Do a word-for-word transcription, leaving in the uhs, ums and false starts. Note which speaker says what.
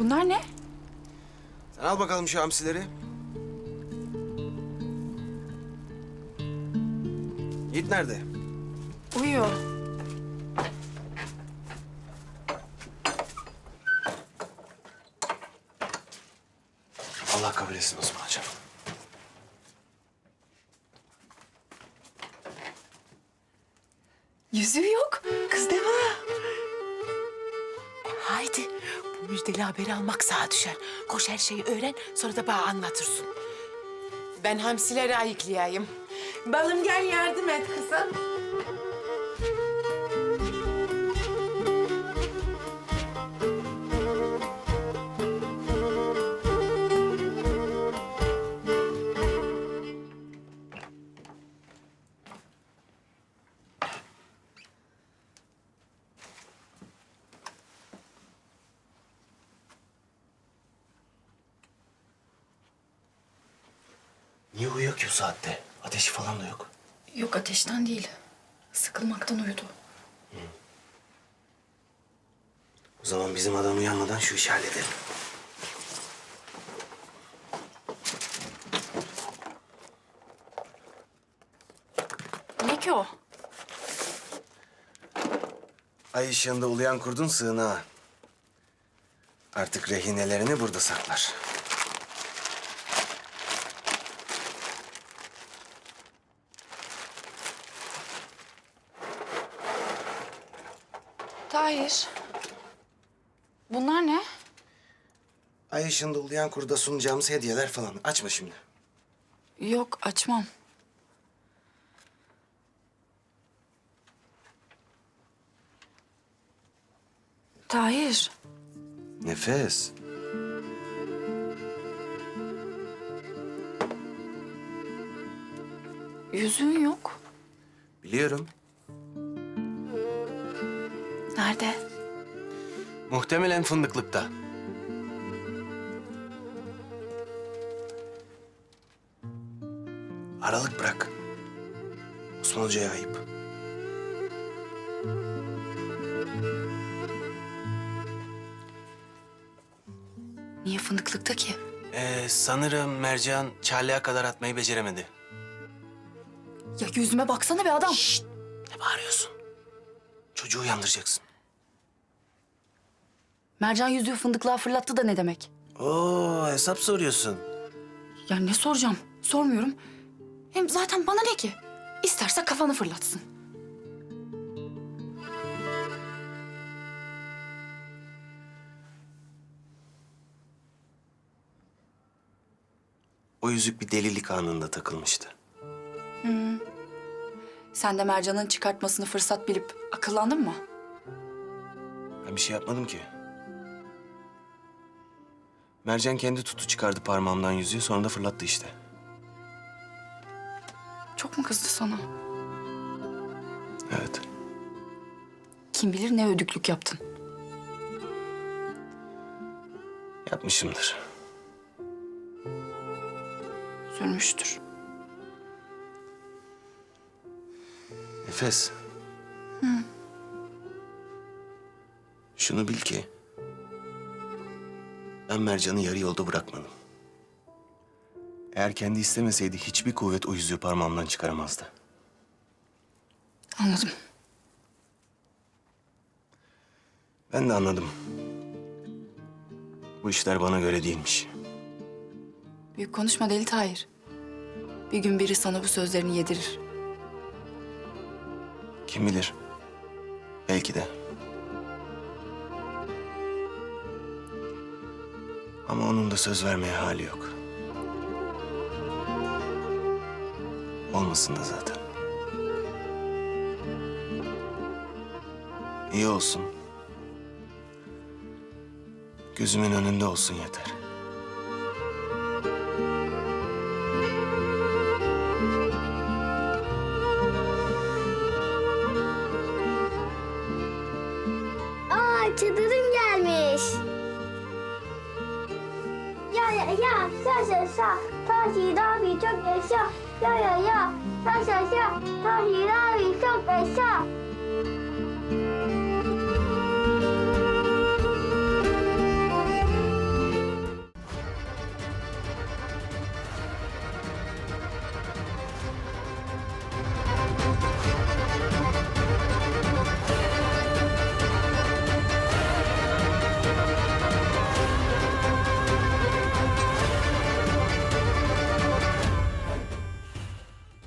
Speaker 1: Bunlar ne?
Speaker 2: Sen al bakalım şu hamsileri. Yiğit nerede?
Speaker 1: Uyuyor.
Speaker 2: Allah kabul etsin Osman'cığım.
Speaker 3: Yüzüğü yok. Kız deme. E, haydi. Bu müjdeli haberi almak sağa düşer. Koş her şeyi öğren, sonra da bana anlatırsın. Ben hamsileri ayıklayayım. Balım gel yardım et kızım.
Speaker 2: Niye uyuyor ki bu saatte? Ateşi falan da yok.
Speaker 1: Yok, ateşten değil. Sıkılmaktan uyudu.
Speaker 2: O zaman bizim adam uyanmadan şu işi halledelim.
Speaker 1: Ne ki o?
Speaker 2: Ay ışığında uluyan kurdun sığınağı. Artık rehinelerini burada saklar.
Speaker 1: Tahir. Bunlar ne?
Speaker 2: Ay ışığında uluyan kurda sunacağımız hediyeler falan. Açma şimdi.
Speaker 1: Yok, açmam. Tahir.
Speaker 2: Nefes.
Speaker 1: Yüzüğün yok.
Speaker 2: Biliyorum.
Speaker 1: Nerede?
Speaker 2: Muhtemelen fındıklıkta. Aralık bırak. Osman Hoca'ya ayıp.
Speaker 1: Niye fındıklıkta ki?
Speaker 2: Ee, sanırım Mercan Çarlığa kadar atmayı beceremedi.
Speaker 1: Ya yüzüme baksana be adam.
Speaker 2: Şşt! Ne bağırıyorsun? Çocuğu uyandıracaksın.
Speaker 1: Mercan yüzüğü fındıklığa fırlattı da ne demek?
Speaker 2: Oo, hesap soruyorsun.
Speaker 1: Ya ne soracağım? Sormuyorum. Hem zaten bana ne ki? İsterse kafanı fırlatsın.
Speaker 2: O yüzük bir delilik anında takılmıştı.
Speaker 1: Sen de Mercan'ın çıkartmasını fırsat bilip akıllandın mı?
Speaker 2: Ben bir şey yapmadım ki. Mercan kendi tutu çıkardı parmağımdan yüzüğü, sonra da fırlattı işte.
Speaker 1: Çok mu kızdı sana?
Speaker 2: Evet.
Speaker 1: Kim bilir ne ödüklük yaptın.
Speaker 2: Yapmışımdır.
Speaker 1: Sürmüştür.
Speaker 2: Nefes. Hı. Şunu bil ki... ben Mercan'ı yarı yolda bırakmadım. Eğer kendi istemeseydi hiçbir kuvvet o yüzüğü parmağımdan çıkaramazdı.
Speaker 1: Anladım.
Speaker 2: Ben de anladım. Bu işler bana göre değilmiş.
Speaker 1: Büyük konuşma Deli Tahir. Bir gün biri sana bu sözlerini yedirir.
Speaker 2: Kim bilir? Belki de. Ama onun da söz vermeye hali yok. Olmasın da zaten. İyi olsun. Gözümün önünde olsun yeter.
Speaker 4: Aa, çadırın gelmiş. Ya ya ya, yaşa yaşa. Tahir abi çok yaşa. Ya ya ya, yaşa yaşa. Tahir abi çok yaşa.